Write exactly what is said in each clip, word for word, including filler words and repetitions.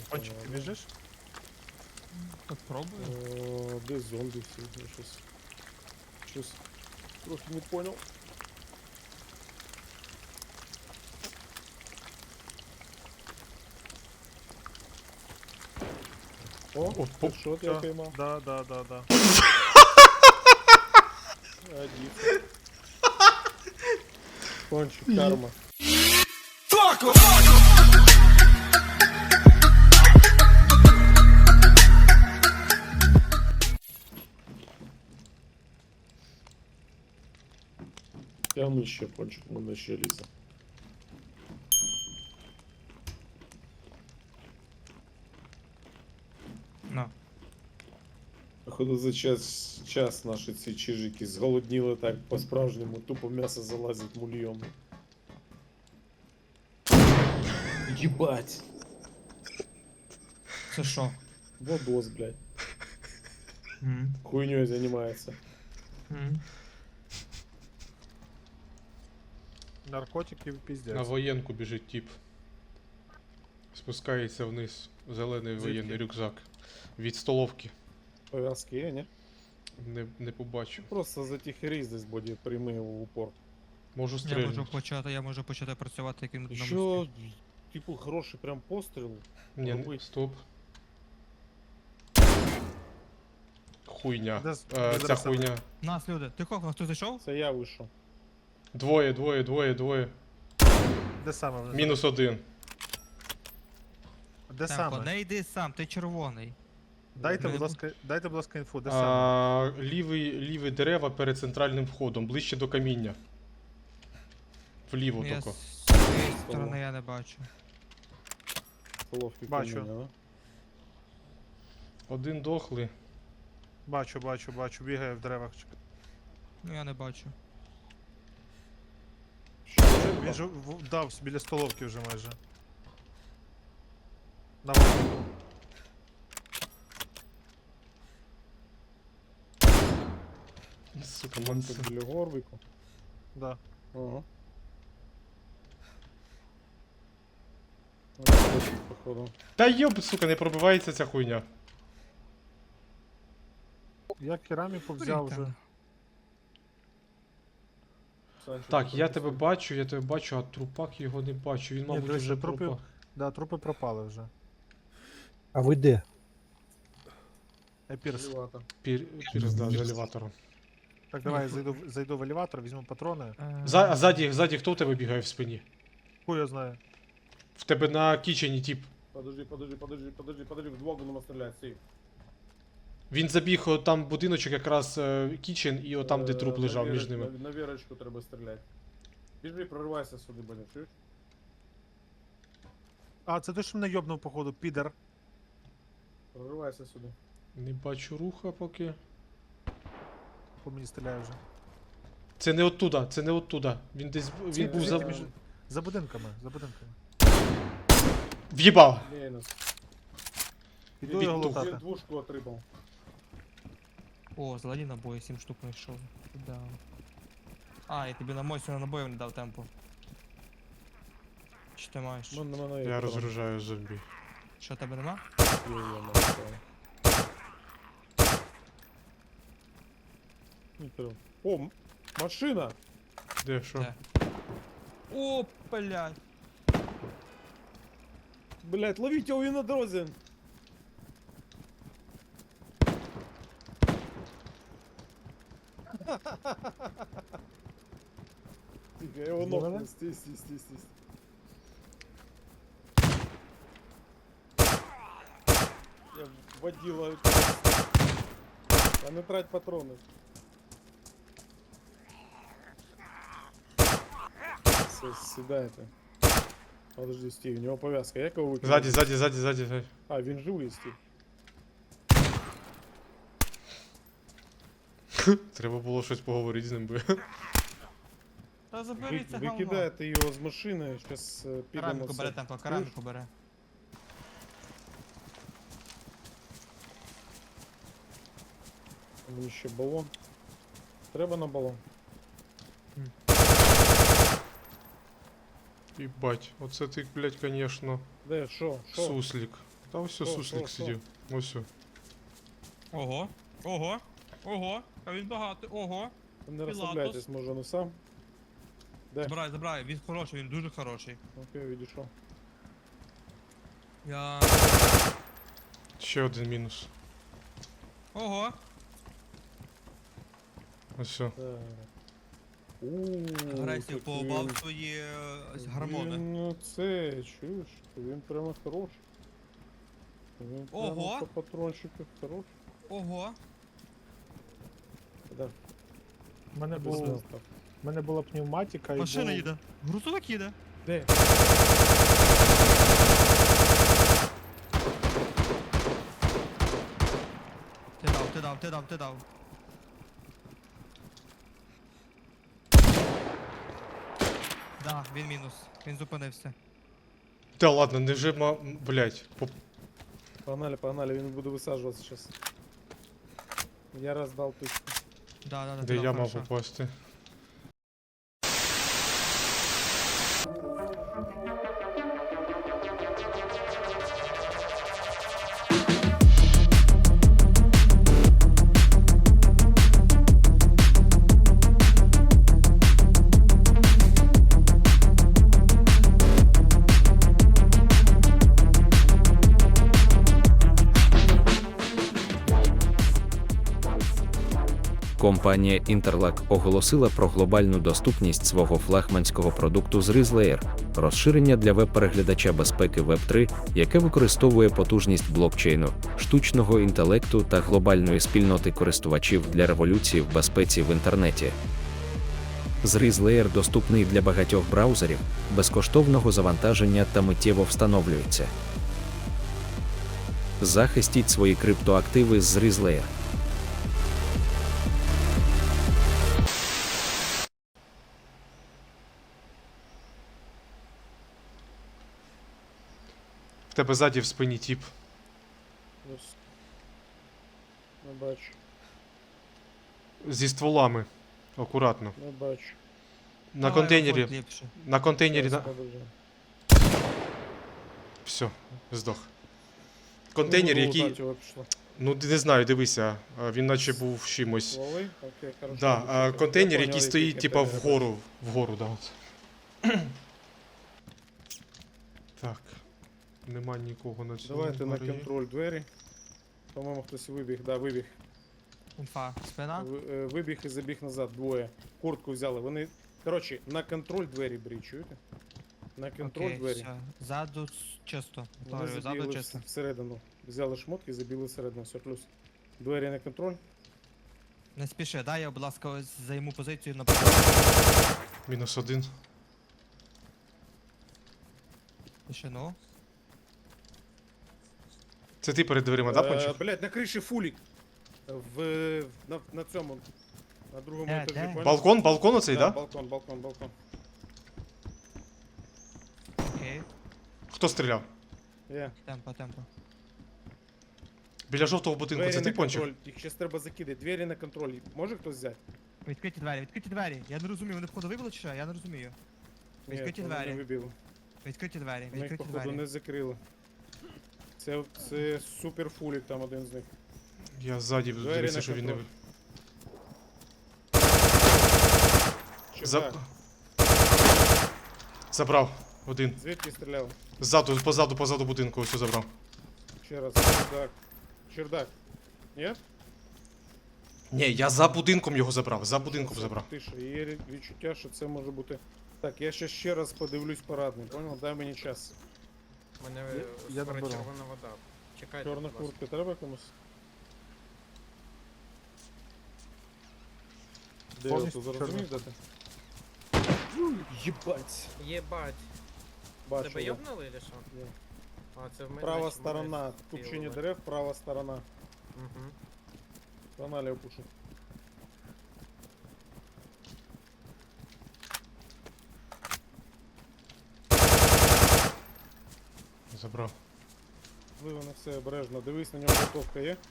Пончик, ты бежишь? Попробую. О, де зомби всі? Я щось... Щось... Трохи не понял. О, О, ти поп- що я всё. поймав? Да, да, да, да. Один. Кончик, карма. Тягни ще, пончик, у мене ще лізе. На. Походу за час, час наші ці чижики зголодніли так по-справжньому, тупо м'ясо залазить мульйом. Єбать! Це що? Водос, блядь. М. Хуйнёй занимается. М. Наркотики пиздец. На воєнку біжить тип. Спускається вниз. Зелений Звідки? воєнний рюкзак. Від столовки. Повязки є, не? Не, не побачу. Просто за тихий десь буде прямий його в упор. Можу Я стрельнути. можу почати, я можу почати працювати яким на Еще, мості. типу, хороший прям постріл. Ні, не- робить. стоп. Хуйня. Де з- Е, де ця зараз хуйня. Нас, люди, ти кого? Хто зайшов? Це я вийшов. Двоє, двоє, двоє, двоє. Де саме? вже? Мінус один. Де Темпо, саме? не йди сам, ти червоний. Дайте, Мене будь ласка, дайте, будь ласка, інфу, де саме? А, лівий, лівий дерева перед центральним входом, ближче до каміння. Вліво Я тільки. з цієї сторони я не бачу. Головки Бачу. каміння, да? Один дохлий. Бачу, бачу, бачу, бігає в деревах. Ну я не бачу. Що, Він же в- дав біля столовки вже майже. На вулиці. Сука, Там манце. біля горбику. Да. Ага. Ось, походу. Та йоб, сука, не пробивається ця хуйня. Я кераміку взяв Блін, вже. там. Санчо, Так, я ти тебе що? бачу, я тебе бачу, а трупак його не бачу. Він, мабуть, дивися, вже трупи- пропав. Да, трупи пропали вже. А ви де? Епірс. Чревато. Пір... Пірзда з елеватором. Так, давай я зайду, в- зайду в елеватор, візьму патрони. Е, За, а ззаді, ззаді хто в тебе бігає в спині? Хуй я знаю. В тебе на кічені тип. Подожди, подожди, подожди, подожди, подожди, вдвох будемо стріляти, стій. Він забіг о, там будиночок якраз е, кічен і отам, де Е, труп на лежав віра- між ними. На, на вірочку треба стріляти. Біжи, проривайся сюди, блін, чуєш? А, це ти що мене йобнув, походу, підер. Проривайся сюди. Не бачу руха поки. По мені стріляє вже. Це не оттуда, це не оттуда. Він десь бу- він був за. Звідки між- За будинками, за будинками. В'їбав! Мінус. Іду його Відтух. лутати. Двушку отримав. О, зелені набої, сім штук знайшов. Да. А, я тобі на мойсі на набоїв не дав темпу. Чи ти маєш? Мене, мене Я розгружаю зомбі. Що тебе нема? О, м- машина! Де що? Де? О, блядь. Блять, ловите его, він на дорозі! Тихо, я его ногну, стій, стій, стій, стій. Я водила... А не трать патрони. Все, сідайте. Подожди, Стив, у него повязка. Як його викинути? Ззаді, ззаді, ззаді, ззаді, ззаді. А, він живий, Стив. Треба було щось поговорити з ним би. Та Ви, заберіться говно. викидаєте його з машини, зараз підемо Кераміку все. бере темпо, кераміку бере. Мені ще балон. Треба на балон. Їбать, оце ти, блядь, конечно, Де, що? Що? суслік. Та ось Що, ось суслик що, що? сидів. Ось. о. Ого, ого, ого, а він багатий, ого. Не Пілатус. розслабляйтесь, може, ну сам. Де? Забирай, забирай, він хороший, він дуже хороший. Окей, відійшов. Я... Ще один мінус. Ого, Ось. о. Так. Ууу, агресію так поубав він- свої е, гормони. Він, ну, це, чуєш, він прямо хороший. Він прямо Ого. по патрончиках хороший. Ого, Да, У мене, без був, нас так. у мене була пневматика і машина був... їде. Грузовик їде. Де? Ти дав, ти дав, ти дав, ти дав. Да, він мінус. Він зупинився. Та ладно, не вже ма. Блять. Поп... Погнали, погнали, він буде висаджуватися зараз. Я раз дав тичку. Да, да, да. Де ти я дав, мав хорошо. попасти. Компанія Interlac оголосила про глобальну доступність свого флагманського продукту з RISE-Layer – розширення для веб-переглядача безпеки веб три, яке використовує потужність блокчейну, штучного інтелекту та глобальної спільноти користувачів для революції в безпеці в інтернеті. З RISE-Layer доступний для багатьох браузерів, безкоштовного завантаження та миттєво встановлюється. Захистіть свої криптоактиви з RISE-Layer. В тебе ззаді в спині тіп. Ось. Не бачу, Зі стволами. Акуратно. не бачу. На Давай, контейнері. виходь ліпше. На контейнері. Зараз, На... подожди. Все, здох. Контейнер, Ну, який. лутати його пішло. Ну не знаю, дивися. а, Він наче був чимось. Стволи? Окей, хорошо. Да, добре. а Я контейнер, поняв, який стоїть, типа, контейнер. вгору. Вгору, да. От. Так. Нема нікого на цьому. Давайте на барі. контроль двері. По-моєму, хтось вибіг, да, вибіг. Інфа. Спина. Ви- е, Вибіг і забіг назад, двоє. Куртку взяли. Вони. Коротше, на контроль двері беріть, чуєте? На контроль Окей, двері. все. Ззаду с- чисто. Вони Повторюю, ззаду забігли чисто. вс- всередину. Взяли шмотки і забігли всередину. Все плюс. Двері на контроль. Не спіши, дай я, будь ласка, ось займу позицію на Мінус один. тишину. Це ти перед дверима, да, Е, Пончик? Блять, на криші фулік. В, на, на цьому. На другому Де, етажі. де? понял? Балкон, балкон оцей, Да, да? балкон, балкон, балкон. Окей. Хто стріляв? Я. Темпо, темпо. Біля жовтого будинку, Двері це ти на Пончик? контроль. Їх зараз треба закидати. Двері на контроль. Може хтось взяти? Відкриті двері, відкриті двері. Я не розумію, вони входу вибили чи що? Я не розумію. Ні, Відкриті вони не двері. вибили. Відкриті двері, Ми їх, відкриті походу, двері. не закрили. Це, це супер фулік там один з них. Я ззаді Двері дивився, на що він не. контроль. ви- Чи За... так? Забрав. Один. Звідки стріляв? Ззаду, позаду, позаду будинку, ось забрав. Ще раз. Чердак. Чердак. Ні? Ні, я за будинком його забрав, за будинком Це забрав. Тише. Є рі- відчуття, що це може бути. Так, я ще ще раз подивлюсь парадний, понял? Дай мені час. У мене Я- е, я скоро наберу. червона вода. Чекайте, Чорна будь ласка. куртка треба комусь? Де я Повністю тут чорна зрозумів, де ти? Єбать. Єбать. Бачу. Тебе я. йобнули или що? Ні. А, це в мене. Права значить, сторона. мене Купчині вбили. дерев, права сторона. Мгм. Погнали опушу. Забрав. Вливи на все обережно. Дивись, на нього готовка є.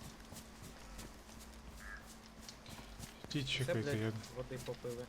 Ті Це, чекайте, блядь, я. води попили.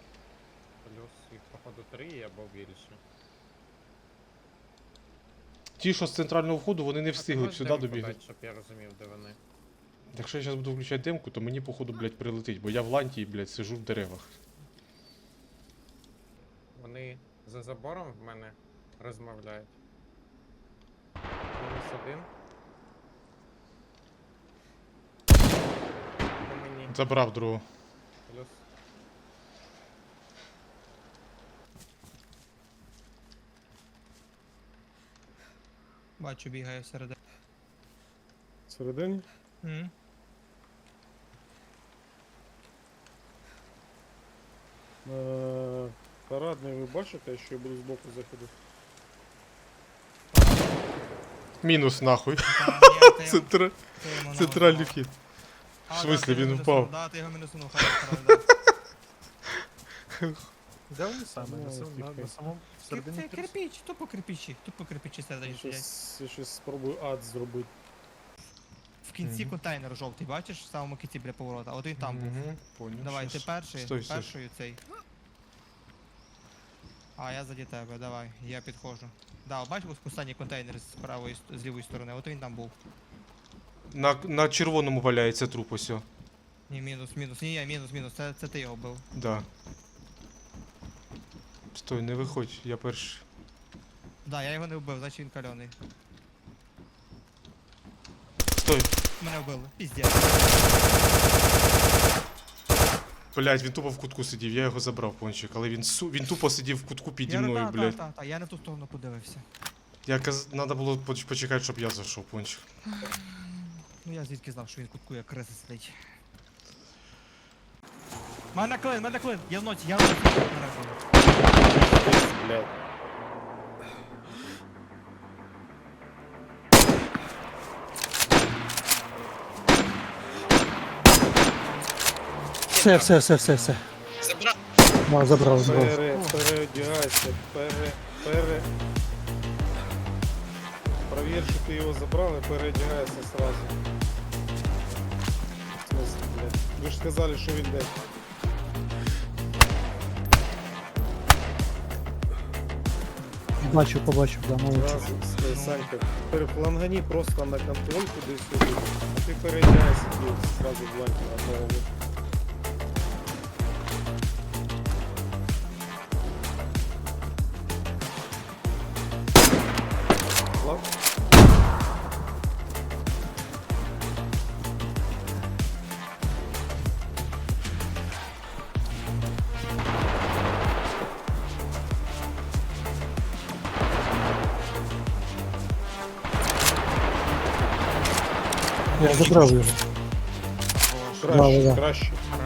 Плюс їх, походу, три або більше. ті, що з центрального входу, вони не встигли б сюди добігти. Щоб я розумів, де вони. Якщо я зараз буду включати демку, то мені, походу, блядь, прилетить, бо я в ланті, блядь, сижу в деревах. Вони за забором в мене розмовляють. Мінус один. По мені. Забрав другого. Плюс. Бачу, бігає всередині. Всередині? М. Е, Парадний, ви бачите, що я буду збоку заходити? Мінус, нахуй. Та, ні, ти його- Центр... ти йому Центральний нагадав. вхід. А, В да, смислі, ти його він мінуснув, впав? Да, ти його мінуснув, хорош, хорош, да. Де вони саме? Ну, На, сам- на, тихо. на самому всередині Це трясу? кирпич, тупо кирпичі, тупо кирпичі Я всередині сидять. щось, я щось спробую ад зробити. В кінці Мгм. контейнер жовтий, бачиш, в самому кінці біля поворота, а один там був. Мгм, поняв. Давай, ти щас. перший, Стой, стой. першою цей. А, я заді тебе, давай, я підходжу. Да, от бачиш ось останній контейнер з правої, ст- з лівої сторони, от він там був. На, на червоному валяється труп ось. о. Ні, мінус, мінус, ні, ні, мінус, мінус, це, це ти його бив. Да. Стой, не виходь, я перший. Да, я його не вбив, значить він кальоний. Стой. Мене вбили, піздець. Блять, він тупо в кутку сидів, я його забрав, пончик, але він су... він тупо сидів в кутку піді Я, мною, та, блять. та, та, та, я не в ту сторону подивився. Я каз... Надо було поч- почекати, щоб я зайшов, пончик. Ну я звідки знав, що він в кутку як криса сидить. Мене клин, мене клин, я в ноці, я в ноці. Мене клин. Блядь. Все, все, все, все, все. Забрав? Да, забрав, забрав. Пере, переодягайся, пере, пере... Провір, що ти його забрав і переодягайся сразу. В смысле, блядь? Ви ж сказали, що він де. Бачу, побачив, да, молодець. Сразу, с- Санька, перефлангані просто на контроль куди-сюди, а ти переодягайся тут сразу в ланьку одного. Лап. Я забрав його. Краще, да. краще. Хорош.